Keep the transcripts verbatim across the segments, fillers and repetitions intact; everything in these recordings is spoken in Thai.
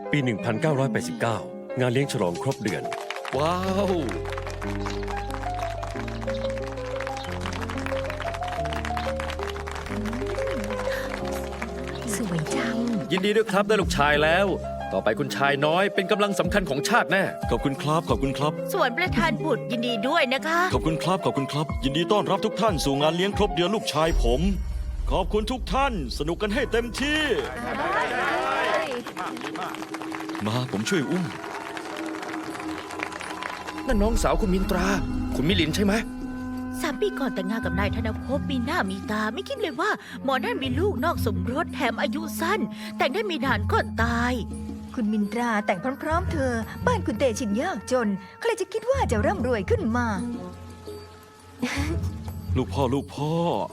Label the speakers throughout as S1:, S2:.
S1: ปี หนึ่งพันเก้าร้อยแปดสิบเก้า งานเลี้ยงฉลองครบเดือน
S2: ว้าว
S3: สวยจัง
S2: ยินดีด้วยครับได้ลูกชายแล้ว ต่อไปคุณชายน้อยเป็นกำลังสำคัญของชาติแน่
S4: ขอบคุณครับขอบคุณครับ
S3: ส่วนประธานบุตรยินดีด้วยนะคะ
S4: ขอบคุณครับขอบคุณครับ ยินดีต้อนรับทุกท่านสู่งานเลี้ยงครบเดือนลูกชายผม ขอบคุณทุกท่านสนุกกันให้เต็มที่ มาผมช่วยอุ้ม
S2: นั่นน้องสาวคุณมินตรา คุณมิลินใช่ไหม
S3: สามปีก่อนแต่งงานกับนายธนภพมีหน้ามีตาไม่คิดเลยว่าหมอนั่นมีลูกนอกสมรสแถมอายุสั้น แต่งได้ไม่นานก็ตาย
S5: คุณมินตราแต่งพร้อมๆเธอ บ้านคุณเตชินยากจนใครจะคิดว่าจะร่ำรวยขึ้นมา
S4: ลูกพ่อลูกพ่อ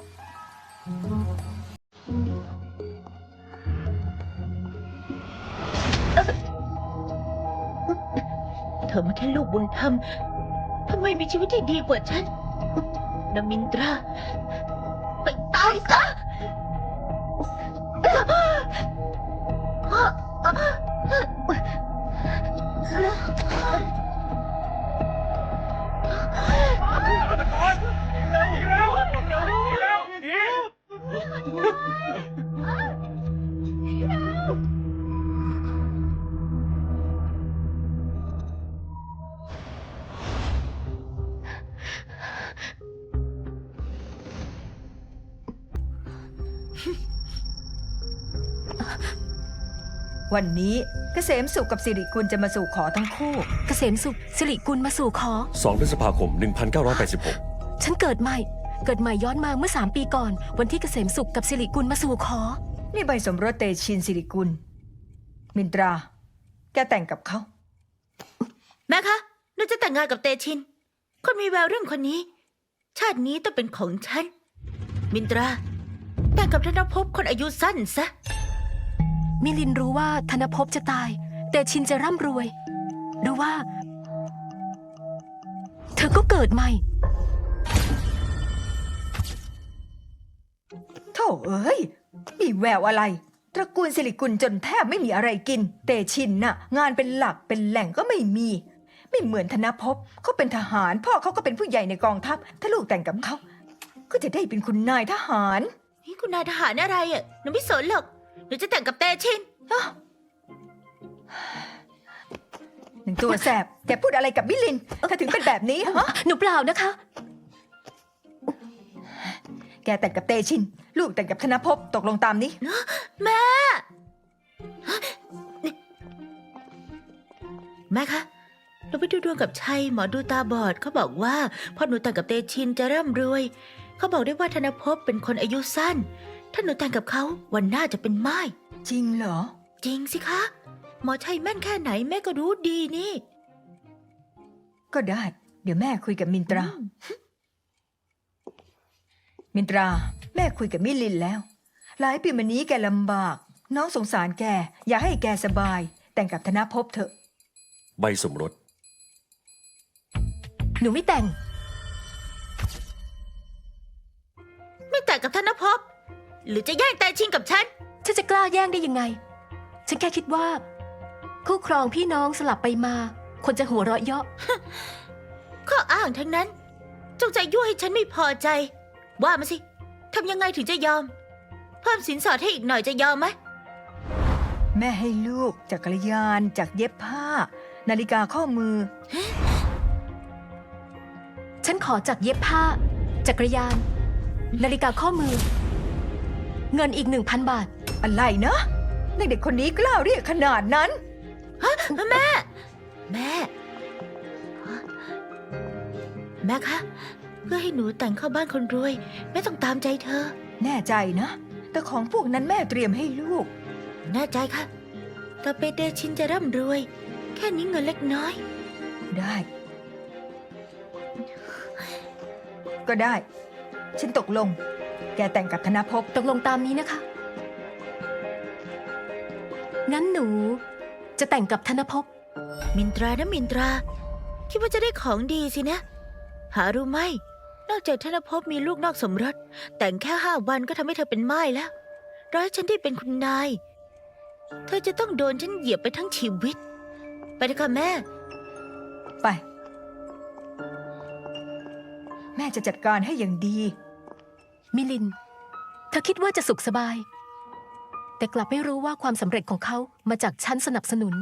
S3: เธอมาแค่ลูกบุญธรรมทำไมมีชีวิตที่ดีกว่าฉันนมินตรา ไปตายซะ
S5: วันนี้เกษมสุขกับสิริกุลจะมาสู่ขอทั้งคู่
S6: เกษมสุขสิริกุลมาสู่ขอ
S1: สอง พฤษภาคม หนึ่งพันเก้าร้อยแปดสิบหก
S6: ฉันเกิดใหม่ เกิดใหม่ย้อนมาเมื่อสามปีก่อน วันที่เกษมสุขกับสิริกุลมาสู่ขอ
S5: นี่ใบสมรสเตชินสิริกุล มินตรา แกแต่งกับเขา
S3: แม่คะหนูจะแต่งงานกับเตชิน คนมีแววเรื่องคนนี้ ชาตินี้ต้องเป็นของฉัน มินตรา แต่งกับธนภพคนอายุสั้นซะ
S6: มิลินรู้ว่าธนภพจะตาย แต่ชินจะร่ำรวย หรือว่า เธอก็เกิดใหม่
S5: โธ่เอ้ย มีแววอะไร ตระกูลสิริกุลจนแทบไม่มีอะไรกิน เตชินน่ะ งานเป็นหลักเป็นแหล่งก็ไม่มี ไม่เหมือนธนภพเขาเป็นทหาร พ่อเขาก็เป็นผู้ใหญ่ในกองทัพ ถ้าลูกแต่งกับเขา ก็จะได้เป็นคุณนายทหาร
S3: นี่คุณนายทหารอะไรอ่ะหนูไม่สนหรอก หนูจะแต่งกับเตชิน
S5: หนึ่งตัวแสบ แกพูดอะไรกับมิลินเธอถึงเป็นแบบนี้ฮะ
S6: หนูเปล่านะคะ
S5: แกแต่งกับเตชิน ลูกแต่งกับธนภพตกลงตามนี้
S3: แม่ แม่คะเราไปดูดวงกับชัยหมอดูตาบอดเขาบอกว่าพอหนูแต่งกับเตชินจะร่ำรวย เขาบอกได้ว่าธนภพเป็นคนอายุสั้น ถ้าหนูแต่งกับเขาวันหน้าจะเป็นไม้
S5: จริงเหรอ
S3: จริงสิคะ หมอชัยแม่นแค่ไหนแม่ก็รู้ดีนี่
S5: ก็ได้ เดี๋ยวแม่คุยกับมินตรา มินตรา แม่คุยกับมิลินแล้ว หลายปีมานี้แกลำบาก น้องสงสารแก อยากให้แกสบาย แต่งกับธนภพเถอะ
S1: ใบสมรส
S6: หนูไม่แต่ง
S3: ไม่แต่งกับธนภพหรือจะแย่งเตชินกับฉัน
S6: ฉันจะกล้าแย่งได้ยังไง ฉันแค่คิดว่า คู่ครองพี่น้องสลับไปมา คนจะหัวเราะเยาะ
S3: ข้ออ้างทั้งนั้น จงใจยั่วให้ฉันไม่พอใจ ว่ามาสิทำยังไงถึงจะยอม เพิ่มสินสอดให้อีกหน่อยจะยอมไหม
S5: แม่ให้ลูกจักรยานจากเย็บผ้า นาฬิกาข้อมือ
S6: ฉันขอจากเย็บผ้า จักรยาน นาฬิกาข้อมือ เงินอีกหนึ่งพันบาท
S5: อะไรนะเด็กๆคนนี้กล้าเรียกขนาดนั้น
S3: แม่ แม่ แม่คะ เพื่อให้หนูแต่งเข้าบ้านคนรวยแม่ต้องตามใจเธอ
S5: แน่ใจนะ แต่ของพวกนั้นแม่เตรียมให้ลูก
S3: แน่ใจค่ะต่อไปเตชินจะร่ำรวย แค่นี้เงินเล็กน้อย
S5: ได้ ก็ได้ ฉันตกลง แกแต่งกับธนภพ
S6: ตกลงตามนี้นะคะ งั้นหนูจะแต่งกับธนภพ
S3: มินตรานะมินตรา คิดว่าจะได้ของดีสินะ หารู้ไหม นอกจากธนภพมีลูกนอกสมรส แต่งแค่ห้าวันก็ทำให้เธอเป็นม่ายแล้ว ร้อยฉันได้เป็นคุณนายเธอจะต้องโดนฉันเหยียบไปทั้งชีวิต ไปเถอะค่ะแม่
S5: ไป แม่จะจัดการให้อย่างดี
S6: มิลิน เธอคิดว่าจะสุขสบาย แต่กลับไม่รู้ว่าความสำเร็จของเขามาจากฉันสนับสนุน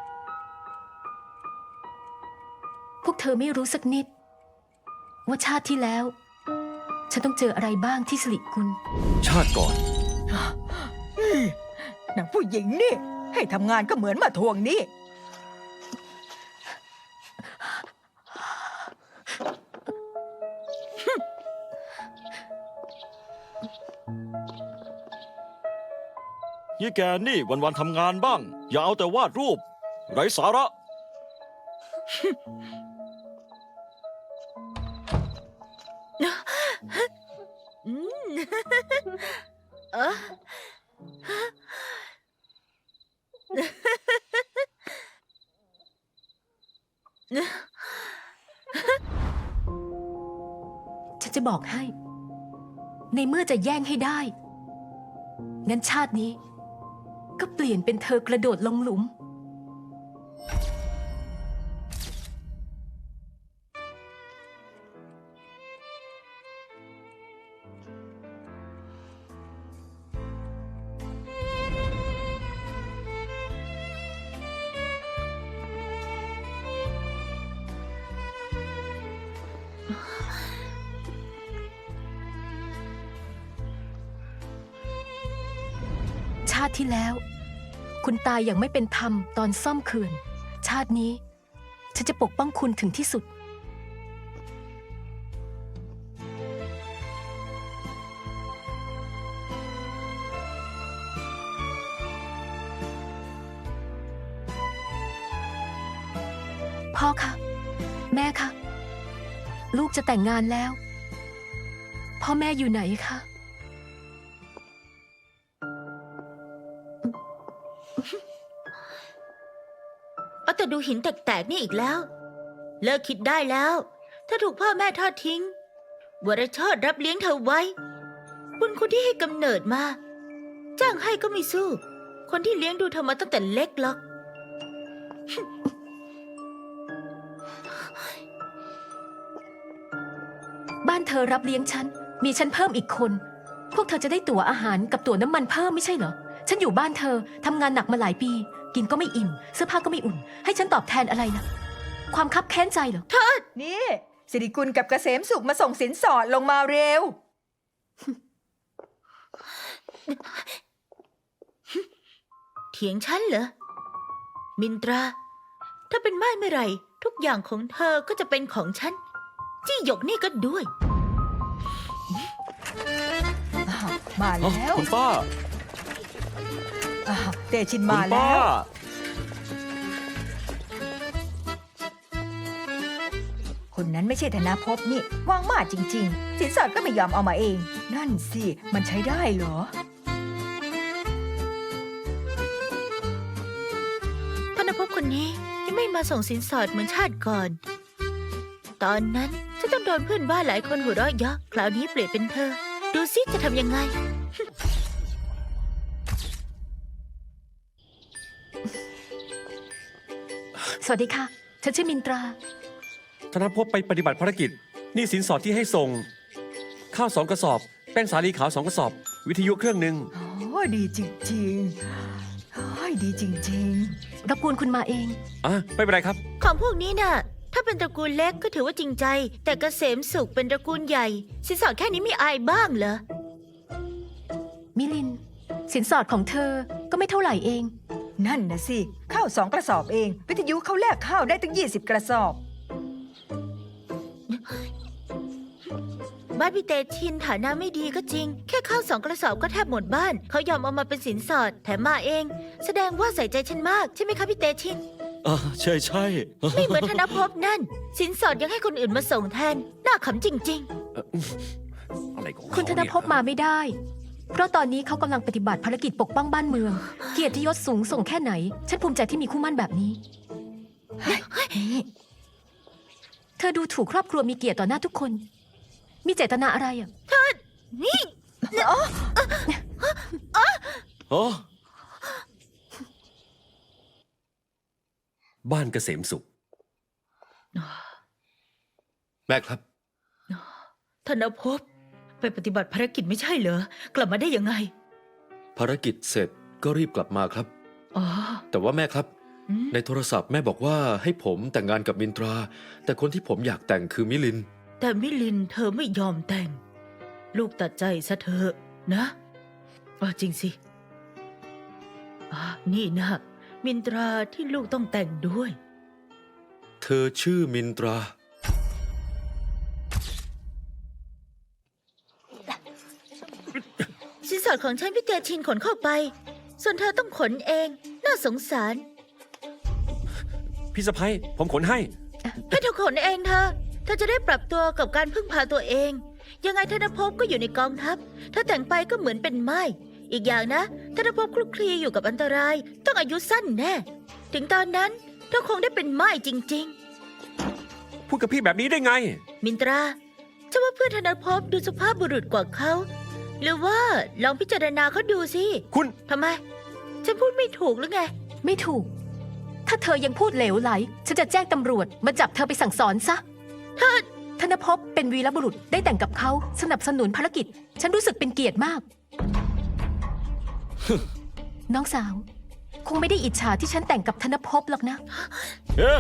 S6: พวกเธอไม่รู้สักนิด ว่าชาติที่แล้ว ฉันต้องเจออะไรบ้างที่สิริกุล
S1: ชาติก่อน
S5: นางผู้หญิงนี่ ให้ทำงานก็เหมือนมาทวงหนี้
S4: ยี่แกนี่วันๆทำงานบ้าง อย่าเอาแต่วาดรูป ไร้สาระ
S3: อืม เออ
S6: ฉันจะบอกให้ ในเมื่อจะแย่งให้ได้ งั้นชาตินี้ ก็เปลี่ยนเป็นเธอกระโดดลงหลุม ชาติที่แล้ว คุณตายอย่างไม่เป็นธรรมตอนซ่อมเขื่อน ชาตินี้ ฉันจะปกป้องคุณถึงที่สุด พ่อคะ แม่คะ ลูกจะแต่งงานแล้ว พ่อแม่อยู่ไหนคะ
S3: เอาแต่ดูหินแตกๆนี่อีกแล้ว เลิกคิดได้แล้ว ถ้าถูกพ่อแม่ทอดทิ้งวรชอดรับเลี้ยงเธอไว้ บุญคุณที่ให้กำเนิดมา จ้างให้ก็ไม่สู้ คนที่เลี้ยงดูเธอมาตั้งแต่เล็กหรอก
S6: บ้านเธอรับเลี้ยงฉัน มีฉันเพิ่มอีกคน พวกเธอจะได้ตั๋วอาหารกับตั๋วน้ำมันเพิ่มไม่ใช่เหรอ ฉันอยู่บ้านเธอทำงานหนักมาหลายปี กินก็ไม่อิ่ม เสื้อผ้าก็ไม่อุ่น ให้ฉันตอบแทนอะไรล่ะ ความคับแค้นใจเหรอ
S5: นี่สิริกุลกับเกษมสุขมาส่งสินสอดลงมาเร็ว
S3: เถียงฉันเหรอ มินตรา ถ้าเป็นม่ายเมื่อไหร่ ทุกอย่างของเธอก็จะเป็นของฉัน จี้หยกนี่ก็ด้วย
S5: อ้าวมา
S4: เอ้า
S5: แล้ว
S4: คุณป้า
S5: อ้าวเตชิน
S4: คุ
S5: มา
S4: ณ
S5: แล้
S4: ป้า
S5: ว คนนั้นไม่ใช่ธนภพนี่ว่างมากจริง ๆ สินสอดก็ไม่ยอมเอามาเอง นั่นสิ มันใช้ได้เหรอ
S3: ธนภพคนนี้ยังไม่มาส่งสินสอดเหมือนชาติก่อน ตอนนั้นฉันต้องโดนเพื่อนบ้านหลายคนหัวเราะเยาะคราวนี้เปลี่ยนเป็นเธอ ดูซิจะทำยังไง
S6: สวัสดีค่ะ ฉันชื่อมินตรา
S1: ธนภพไปปฏิบัติภารกิจหนี่สินสอดที่ให้ส่ง ข้าวสองกระสอบ แป้งสาลีขาวสองกระสอบ วิทยุเครื่องหนึ่ง
S5: โอ้ดีจริงๆโอ้ยดีจริง
S6: รบกวนคุณมาเอง
S1: อ่ะ ไม่เป็นไรครับ
S3: ของพวกนี้น่ะ ถ้าเป็นตระกูลเล็กก็ถือว่าจริงใจ แต่เกษมสุขเป็นตระกูลใหญ่ สินสอดแค่นี้ไม่อายบ้างเหรอ
S6: มิลิน สินสอดของเธอก็ไม่เท่าไหร่เอง
S5: ๆ นั่นนะสิ ข้าวสองกระสอบเอง วิทยุเขาแลกข้าวได้ตั้งยี่สิบกระสอบ
S3: บ้านพี่เตชินฐานะไม่ดีก็จริง แค่ข้าวสองกระสอบก็แทบหมดบ้าน เขายอมเอามาเป็นสินสอด แถมมาเอง แสดงว่าใส่ใจฉันมากใช่ไหมคะพี่เตชิน
S4: อ่าใช่ใช่
S3: ไม่เหมือนธนภพนั่น สินสอดยังให้คนอื่นมาส่งแทน น่าขำจริง
S1: อะไรของเขา
S6: คุณธนภพ
S1: เย
S6: มาไม่ได้ เพราะตอนนี้เขากำลังปฏิบัติภารกิจปกป้องบ้านเมือง เกียรติยศสูงส่งแค่ไหน ฉันภูมิใจที่มีคู่หมั่นแบบนี้ เธอดูถูกครอบครัวมีเกียรติต่อหน้าทุกคน มีเจตนาอะไรอ่ะ
S3: ๆ นี่
S4: อ๋อ
S1: บ้านเกษมสุข
S2: แม่ครับ
S3: ธนภพไปปฏิบัติภารกิจไม่ใช่เหรอกลับมาได้ยังไง
S2: ภารกิจเสร็จก็รีบกลับมาครับ
S3: อ๋อ
S2: แต่ว่าแม่ครับ
S3: อืม
S2: ในโทรศัพท์แม่บอกว่าให้ผมแต่งงานกับมินตรา แต่คนที่ผมอยากแต่งคือมิลิน
S3: แต่มิลินเธอไม่ยอมแต่ง ลูกตัดใจซะเถอะนะอ๋อจริงสิอ่านี่นะมินตราที่ลูกต้องแต่งด้วย
S2: เธอชื่อมินตรา
S3: สินสอดของฉันพี่เตชินขนเข้าไป ส่วนเธอต้องขนเอง น่าสงสาร
S1: พี่สะพ้ยผมขนให้
S3: ให้เธอขนเองเธอเธอจะได้ปรับตัวกับการพึ่งพาตัวเอง ยังไงธนภพก็อยู่ในกองทัพ ถ้าแต่งไปก็เหมือนเป็นไม้ อีกอย่างนะธนภพคลุกคลีอยู่กับอันตราย ต้องอายุสั้นแน่ ถึงตอนนั้นเธอคงได้เป็นไม้จริง
S1: พูดกับพี่แบบนี้ได้ไง
S3: ๆ มินตราฉันว่าเพื่อนธนภพดูสุภาพบุรุษกว่าเขา หรือว่าลองพิจารณาเขาดูสิ
S1: คุณ
S3: ทำไม ฉันพูดไม่ถูกหรือไง
S6: ไม่ถูก ถ้าเธอยังพูดเหลวไหล ฉันจะแจ้งตำรวจมาจับเธอไปสั่งสอนซะ
S3: เธอ
S6: ธนภพเป็นวีรบุรุษได้แต่งกับเขาสนับสนุนภารกิจ ฉันรู้สึกเป็นเกียรติมาก น้องสาว คงไม่ได้อิจฉาที่ฉันแต่งกับธนภพหรอกนะ
S4: เอ๊ะ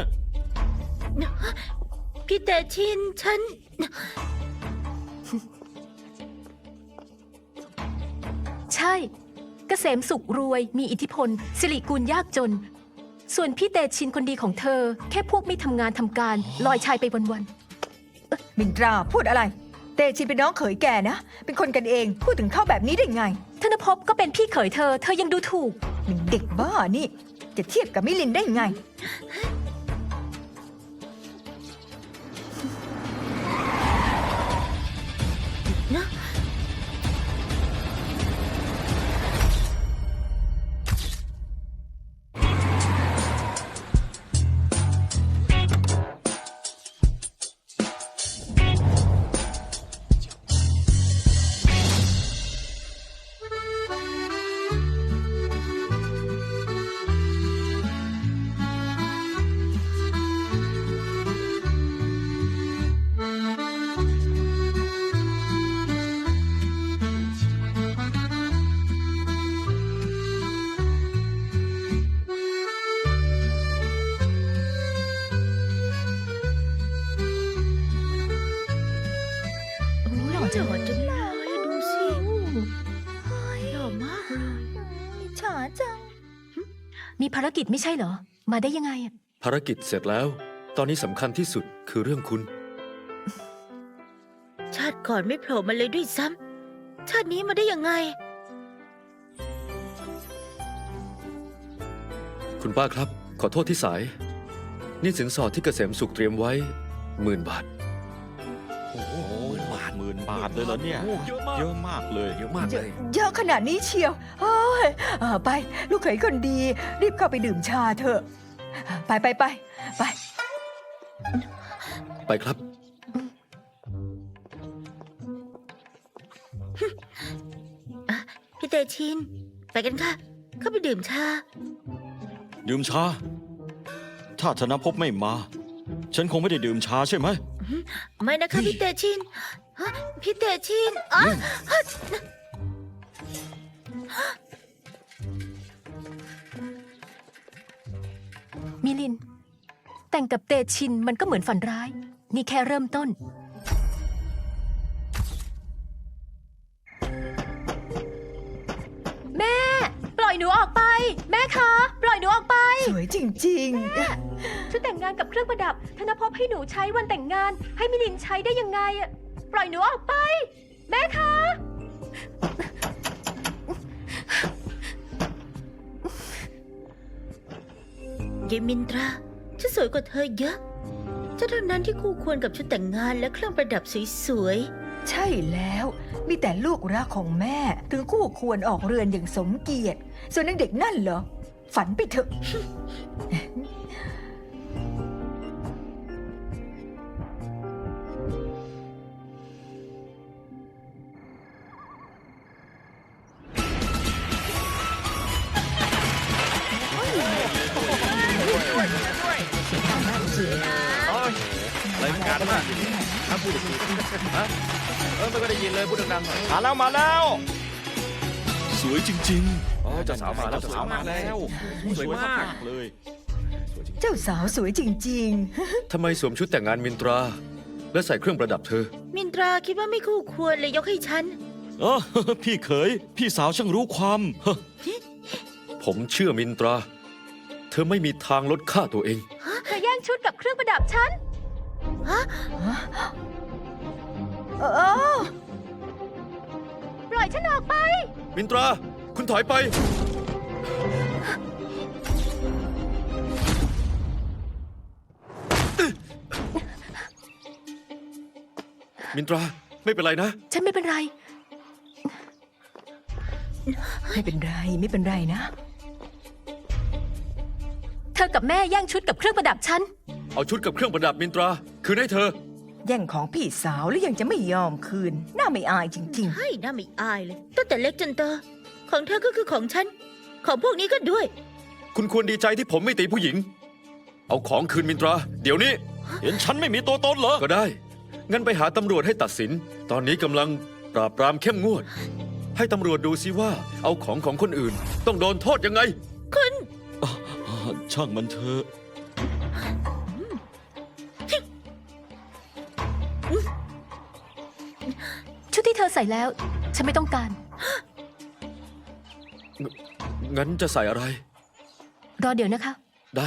S3: พี่เตชินฉัน
S6: ใช่ เกษมสุขรวยมีอิทธิพล สิริกูลยากจน ส่วนพี่เตชินคนดีของเธอ แค่พวกไม่ทำงานทำการ ลอยชายไปวัน
S5: มินตราพูดอะไร เตชินเป็นน้องเขยแกนะ เป็นคนกันเองพูดถึงเขาแบบนี้ได้ไง
S6: ๆธนภพก็เป็นพี่เขยเธอ เธอยังดูถูก
S5: มันเด็กบ้านี่ จะเทียบกับมิลินได้ไง
S3: หล่อจังเลยดูสิหล่อมากเลย
S5: ฉาจัง
S6: มีภารกิจไม่ใช่เหรอ มาได้ยังไงอะ
S2: ภารกิจเสร็จแล้ว ตอนนี้สำคัญที่สุดคือเรื่องคุณ
S3: ชาติก่อนไม่โผล่มาเลยด้วยซ้ำชาตินี้มาได้ยังไง
S2: คุณป้าครับ ขอโทษที่สาย นี่สินสอดที่เกษมสุขเตรียมไว้หมื่นบาท
S4: โอ้โหบาทหมื่นบาทเลยเหรอเนี่ย
S1: โอ้เยอะมาก
S4: เยอะมากเลย
S1: เยอะมากเลย
S5: เยอะขนาดนี้เชียวเฮ้ยเอ่อไป ลูกเขยคนดี รีบเข้าไปดื่มชาเถอะ ไปไปไปไป
S2: ไปครับ
S3: พี่เตชิน ไปกันค่ะ เข้าไปดื่มชา
S4: ดื่มชา ถ้าธนภพไม่มา ฉันคงไม่ได้ดื่มชาใช่ไหม
S3: ไม่นะคะพี่เตชินฮะพี่เตชินอ๋อ
S6: มิลิน แต่งกับเตชินมันก็เหมือนฝันร้าย นี่แค่เริ่มต้น แม่ ปล่อยหนูออกไป แม่คะ ปล่อยหนูออกไป
S5: สวยจริง
S6: ชุดแต่งงานกับเครื่องประดับ ธนภพให้หนูใช้วันแต่งงาน ให้มิลินใช้ได้ยังไงอะปล่อยหนูออกไป แม่คะ
S3: เยมินตราฉันสวยกว่าเธอเยอะฉันเท่านั้นที่คู่ควรกับชุดแต่งงานและเครื่องประดับสวย
S5: ๆ ใช่แล้ว มีแต่ลูกรักของแม่ ถึงคู่ควรออกเรือนอย่างสมเกียรติ ส่วนนางเด็กนั่นเหรอ ฝันไปเถอะ
S3: ๆ
S2: พูดอีกทีฮะเออไม่ก็ได้ยินเลยพูดดังๆหน่อย
S4: มาแล้วมาแล้ว สวยจริง
S2: อ๋อเจ้าสาวมาแล้วเจ้าสาวมาแล้ว
S4: ๆ
S1: สวยมาก
S4: เลย
S5: เจ้าสาวสวยจริง
S2: ทำไมสวมชุดแต่งงานมินตรา และใส่เครื่องประดับเธอ
S3: มินตราคิดว่าไม่คู่ควรเลยยกให้ฉัน
S4: เออ พี่เขย พี่สาวช่างรู้ความเฮ้อ
S2: ผมเชื่อมินตรา เธอไม่มีทางลดค่าตัวเอง
S6: เธอแย่งชุดกับเครื่องประดับฉัน
S5: ๆ เออ
S6: ปล่อยฉันออกไป
S2: มินตรา คุณถอยไป มินตรา ไม่เป็นไรนะ
S6: ฉันไม่เป็นไร
S5: ไม่เป็นไรไม่เป็นไรนะ
S6: เธอกับแม่แย่งชุดกับเครื่องประดับฉัน
S2: เอาชุดกับเครื่องประดับมินตรา คืนให้เธอ
S5: แย่งของพี่สาวแล้วยังจะไม่ยอมคืน น่าไม่อายจริง
S3: ให้น่าไม่อายเลย ตั้งแต่เล็กจนโตของเธอก็คือของฉัน ของพวกนี้ก็ด้วย
S2: คุณควรดีใจที่ผมไม่ตีผู้หญิง เอาของคืนมินตรา เดี๋ยวนี้
S4: เห็นฉันไม่มีตัวตนเหรอ
S2: ก็ได้ งั้นไปหาตำรวจให้ตัดสิน ตอนนี้กำลังปราบปรามเข้มงวด ให้ตำรวจดูซิว่า เอาของของคนอื่น ต้องโดนโทษยังไง
S4: อ่าช่างมันเถอะ
S6: ชุดที่เธอใส่แล้ว ฉันไม่ต้องการ
S2: งั้นจะใส่อะไร
S6: รอเดี๋ยวนะคะ
S2: ได้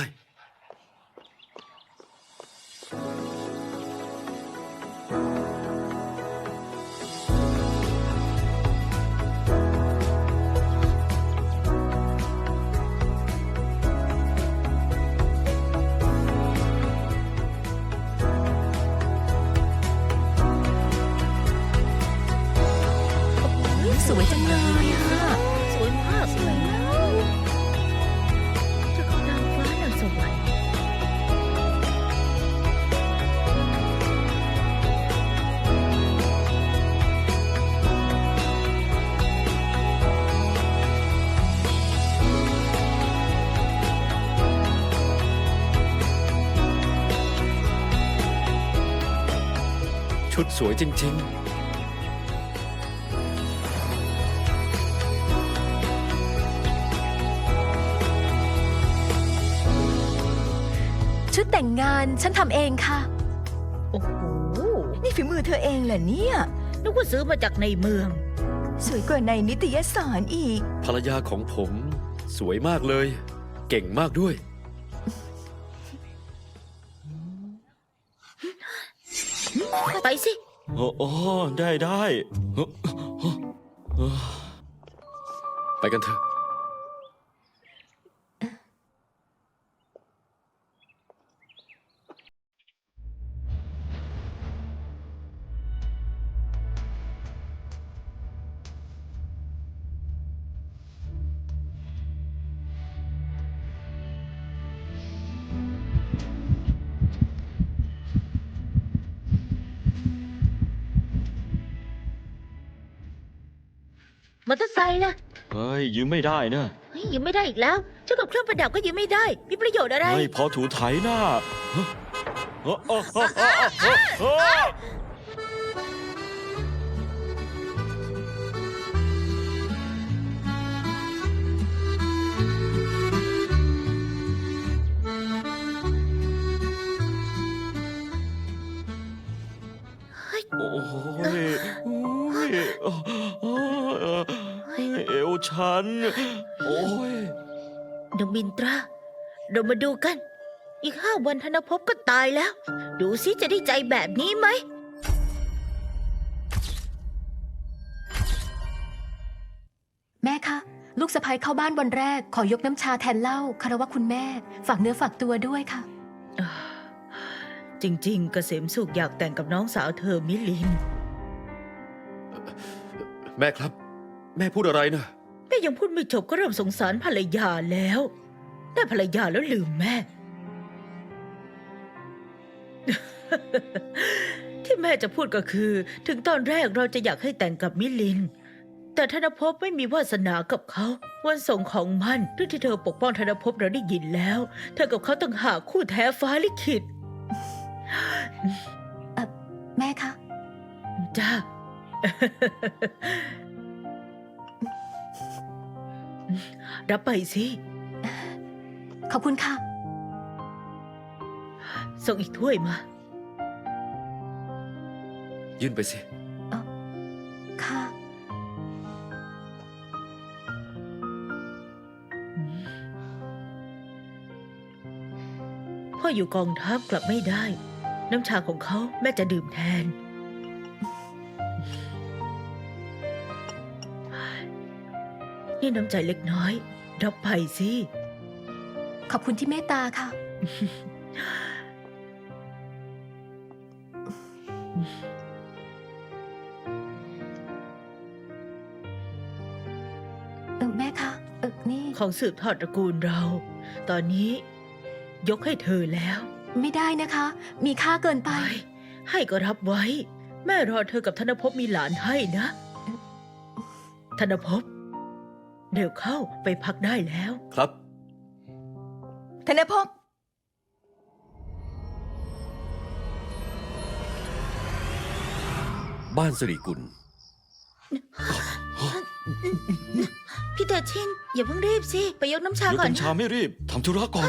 S6: สวยจังเลยอะ
S3: สวยมากเลยเจ้าของนางฟ้านางสวรรค์
S2: ชุดสวยจริง ๆ
S6: ชุดแต่งงานฉันทำเองค่ะ
S3: โอ้โห
S5: ๆ นี่ฝีมือเธอเองเหรอเนี่ย
S3: นึกว่าซื้อมาจากในเมือง
S5: สวยกว่าในนิตยสารอีก
S2: ภรรยาของผม สวยมากเลย เก่งมากด้วย
S3: ไปสิ
S4: โอ้โอ้ได้ได้เฮ้อเฮ้อ
S2: ไปกันเถอะ
S3: มอเตอร์ไซค์นะ
S4: เฮ้ย ยืมไม่ได้นะ
S3: เฮ้ยยืมไม่ได้อีกแล้วเจ้ากับเครื่องประดับก็ยืมไม่ได้ มีประโยชน์อะไร
S4: เฮ้ย พอถูไถหน้าเฮ้อเฮ้อเฮ้อเฮ้อเฮ้อเฮ้อเฮ้อ โอ้ยโอ้ยโอ้ยเอวฉัน โอ้ย
S3: นางมินตรา เรามาดูกัน อีกห้าวันธนภพก็ตายแล้ว ดูสิจะได้ใจแบบนี้ไหม
S6: แม่คะ ลูกสะใภ้เข้าบ้านวันแรก ขอยกน้ำชาแทนเหล้าคารวะคุณแม่ ฝากเนื้อฝากตัวด้วยค่ะ
S3: จริงๆ เกษมสุขอยากแต่งกับน้องสาวเธอมิลิน
S2: แม่ครับ แม่พูดอะไรนะ
S3: แต่ยังพูดไม่จบก็เริ่มสงสารภรรยาแล้ว ได้ภรรยาแล้วลืมแม่ ที่แม่จะพูดก็คือ ถึงตอนแรกเราจะอยากให้แต่งกับมิลิน แต่ธนภพไม่มีวาสนากับเขา วันส่งของมันเรื่องที่เธอปกป้องธนภพเราได้ยินแล้ว เธอกับเขาต่างหากคู่แท้ฟ้าลิขิต
S6: แม่คะ
S3: จ้า รับไปสิ
S6: ขอบคุณค่ะ
S3: ส่งอีกถ้วยมา
S2: ยื่นไปสิ
S6: ค่ะ
S3: พ่ออยู่กองทัพกลับไม่ได้ น้ำชาของเขาแม่จะดื่มแทน นี่น้ำใจเล็กน้อย รับไปสิ
S6: ขอบคุณที่เมตตาค่ะ เออแม่คะเออนี่
S3: ของสืบทอดตระกูลเรา ตอนนี้ ยกให้เธอแล้ว
S6: ไม่ได้นะคะ มีค่าเกินไป
S3: ไป ให้ก็รับไว้ แม่รอเธอกับธนภพมีหลานให้นะ ธนภพเดี๋ยวเข้าไปพักได้แล้ว
S2: ครับ
S5: ธนภพ
S1: บ้านสิริกุล
S3: พี่เตชิน อย่าเพิ่งรีบสิ ไปยกน้ำชา
S4: เดี๋ยว
S3: ก่อน
S4: กัญชาไม่รีบทำธุระก่อน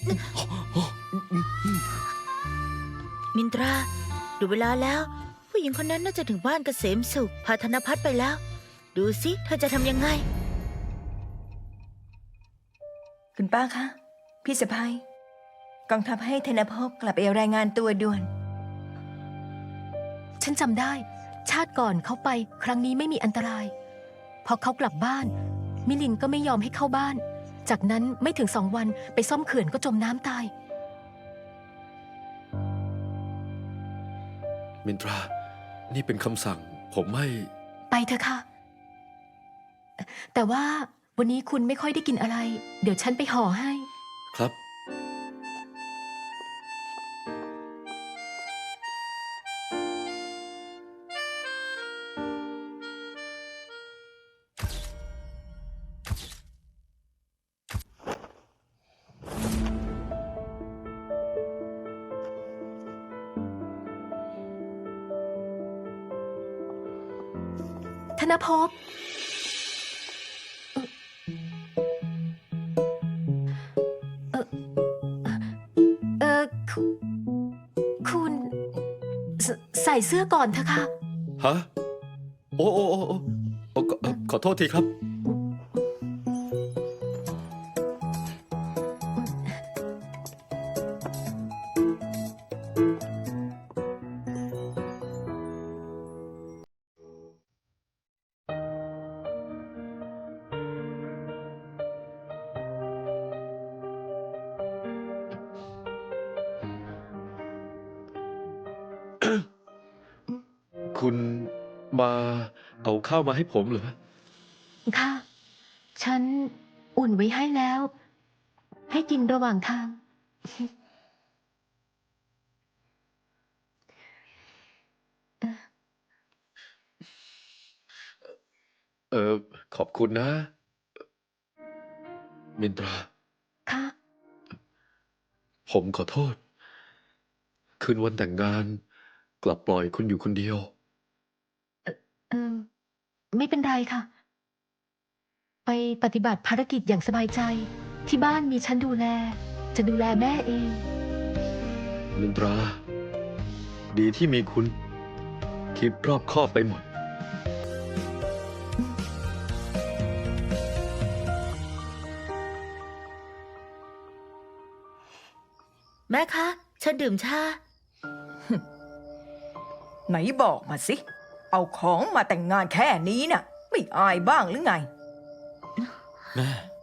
S3: มินตรา ดูเวลาแล้ว ผู้หญิงคนนั้นน่าจะถึงบ้านเกษมสุข พาธนพัฒน์ไปแล้ว ดูสิเธอจะทำยังไง
S5: คุณป้าคะ พี่สะพ้ายกองทัพให้ธนภพกลับไปรายงานตัวด่วน
S6: ฉันจำได้ ชาติก่อนเขาไป ครั้งนี้ไม่มีอันตราย พอเขากลับบ้าน มิลินก็ไม่ยอมให้เข้าบ้าน จากนั้นไม่ถึงสองวันไปซ่อมเขื่อนก็จมน้ำตาย
S2: มินตรา นี่เป็นคำสั่ง ผมไม่
S6: ไปเถอะค่ะ แต่ว่าวันนี้คุณไม่ค่อยได้กินอะไร เดี๋ยวฉันไปห่อให้
S2: ครับ
S6: ธนภพเออเออคุคุณสใส่เสื้อก่อนเถอะค่ะ
S2: ฮะ โอ้โอ้โอ้โอ้โอ้ขอขอโทษทีครับ คุณมาเอาข้าวมาให้ผมเหรอ
S6: ค่ะ ฉันอุ่นไว้ให้แล้ว ให้กินระหว่างทาง
S2: เออ ขอบคุณนะ มินตรา
S6: ค่ะ
S2: ผมขอโทษ คืนวันแต่งงาน กลับปล่อยคุณอยู่คนเดียว
S6: เออไม่เป็นไรค่ะ ไปปฏิบัติภารกิจอย่างสบายใจ ที่บ้านมีฉันดูแล จะดูแลแม่เอง
S2: มินตรา ดีที่มีคุณ คิดรอบคอบไปหมด
S3: แม่คะ ฉันดื่มชา
S5: ไหนบอกมาสิ เอาของมาแต่งงานแค่นี้น่ะ ไม่อายบ้างหรือไง
S4: แม่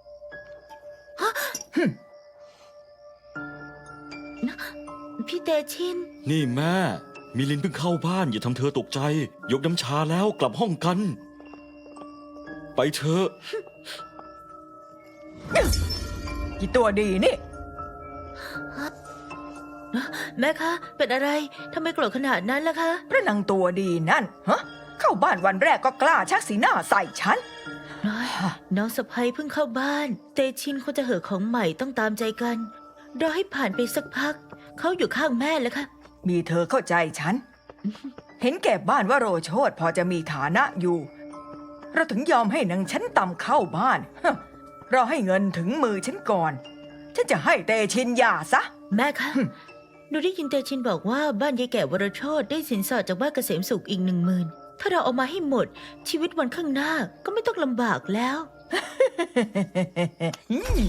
S3: พี่เตชิน
S4: นี่แม่ มิลินเพิ่งเข้าบ้านอย่าทำเธอตกใจ ยกน้ำชาแล้วกลับห้องกัน ไปเถอะ
S5: กี่ตัวดีนี่
S3: แม่คะ เป็นอะไร ทำไมโกรธขนาดนั้นล่ะคะ
S5: พระนางตัวดีนั่น ฮะ เข้าบ้านวันแรกก็กล้าชักสีหน้าใส่ฉัน
S3: น้อยน้องสะพ้ยเพิ่งเข้าบ้าน เตชินเขาจะเหอะของใหม่ต้องตามใจกัน รอให้ผ่านไปสักพัก เขาอยู่ข้างแม่แล้วค่ะ
S5: มีเธอเข้าใจฉันเห็นแก่บ้านว่าโรโชดพอจะมีฐานะอยู่ เราถึงยอมให้นางชั้นต่ำเข้าบ้านฮะเราให้เงินถึงมือฉันก่อน ฉันจะให้เตชินหย่าซะ
S3: แม่คะหนูได้ยินเตชินบอกว่าบ้านยายแก่วรโชตได้สินสอดจากบ้านเกษมสุขอีกหนึ่งหมื่นถ้าเราเอามาให้หมด ชีวิตวันข้างหน้าก็ไม่ต้องลำบากแล้ว
S5: อืม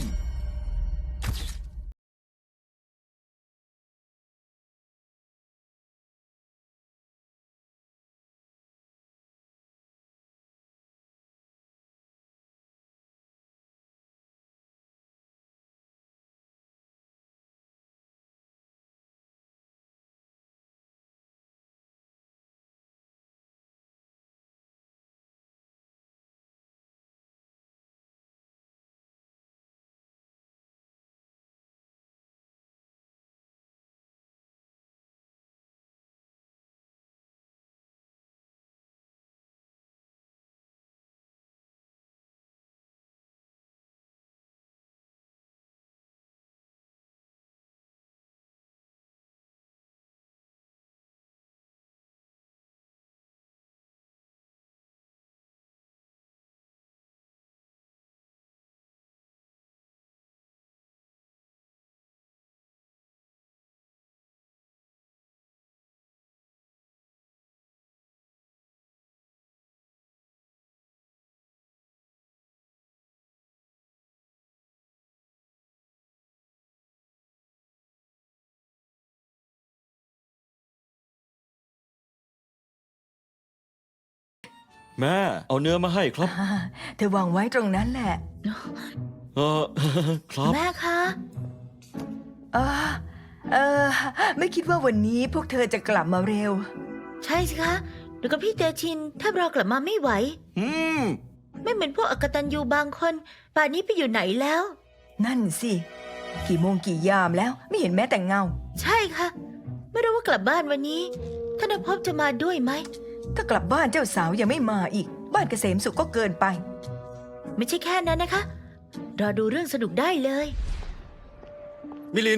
S4: แม่เอาเนื้อมาให้ครับ
S5: อ่าเธอวางไว้ตรงนั้นแหละ
S4: เออ ครับ
S3: แม่คะ
S5: เออเออไม่คิดว่าวันนี้พวกเธอจะกลับมาเร็ว
S3: ใช่สิคะหนูกับพี่เตชินแทบรอกลับมาไม่ไหว
S4: อืม
S3: ไม่เหมือนพวกอกตันยูบางคน ป่านนี้ไปอยู่ไหนแล้ว
S5: นั่นสิ กี่โมงกี่ยามแล้วไม่เห็นแม้แต่เงา
S3: ใช่ค่ะ ไม่รู้ว่ากลับบ้านวันนี้ธนภพจะมาด้วยไหม
S5: ถ้ากลับบ้านเจ้าสาวยังไม่มาอีก บ้านเกษมสุขก็เกินไป
S3: ไม่ใช่แค่นั้นนะคะ รอดูเรื่องสนุกได้เลย
S2: มิลิน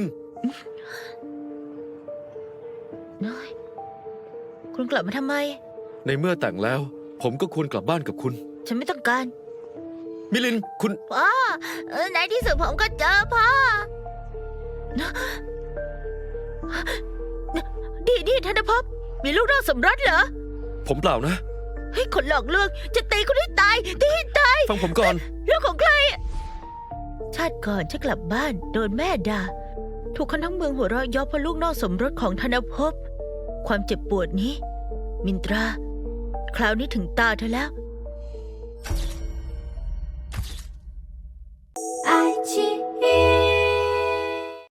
S3: น้อย คุณกลับมาทำไม
S2: ในเมื่อแต่งแล้ว ผมก็ควรกลับบ้านกับคุณ
S3: ฉันไม่ต้องการ
S2: มิลินคุณ
S3: พ่อเออในที่สุดผมก็เจอพ่อดีดีธนภพมีลูกนอกสมรสเหรอ
S2: ผมเปล่านะ
S3: ให้คนหลอกลวงจะตีคนให้ตายตีให้ตาย
S2: ฟังผมก่อน
S3: เรื่องของใคร ชาติก่อนฉันกลับบ้านโดนแม่ด่า ถูกคนทั้งเมืองหัวเราะเย่อเพราะลูกนอกสมรสของธนภพ ความเจ็บปวดนี้ มินตรา คราวนี้ถึงตาเธอแล้ว